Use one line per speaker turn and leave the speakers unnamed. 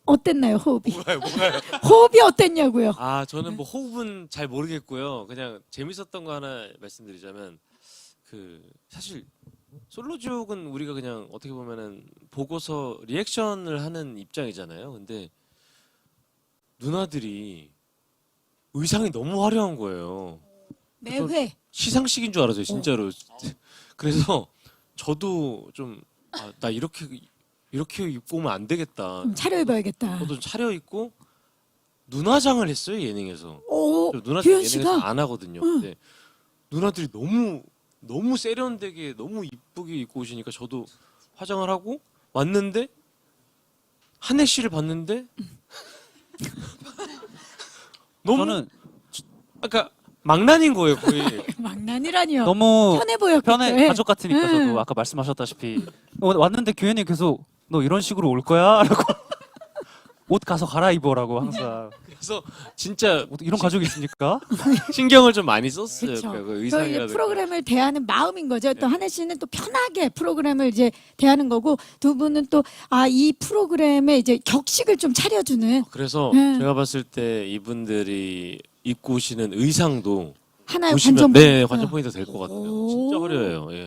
어땠나요, 호흡이?
뭐가요?
호흡이 어땠냐고요?
아, 저는 뭐 호흡은 잘 모르겠고요. 그냥 재밌었던 거 하나 말씀드리자면 사실 솔로지옥은 우리가 그냥 어떻게 보면은 보고서 리액션을 하는 입장이잖아요. 근데 누나들이 의상이 너무 화려한 거예요.
매회
시상식인 줄 알았어요, 진짜로. 그래서 저도 좀 나 이렇게 입고 오면 안 되겠다.
좀 차려입어야겠다.
저도 좀 차려입고 누나장을 했어요, 예능에서.
오,
저 누나장
규현
예능에서
씨가
안 하거든요. 근데 누나들이 너무 세련되게 너무 이쁘게 입고 오시니까 저도 화장을 하고 왔는데 한혜 씨를 봤는데 너무
저는
아까 망난인 거예요, 거의.
망난이라니요.
너무
편해 보였겠죠.
편해
예.
가족 같으니까 저도 아까 말씀하셨다시피 왔는데 규현이 계속 너 이런 식으로 올 거야? 라고 옷 가서 갈아입어라고 항상
그래서 진짜
이런 가족이 있습니까?
신경을 좀 많이 썼어요.
그렇죠.
그
그
의상이라든가.
프로그램을 대하는 마음인 거죠. 또 한혜 씨는 또 편하게 프로그램을 이제 대하는 거고 두 분은 또 이 프로그램에 이제 격식을 좀 차려주는
그래서
네.
제가 봤을 때 이분들이 입고 오시는 의상도
하나의
보시면
관전
네, 관전 포인트 될 것 같아요.
오.
진짜 화려해요. 예.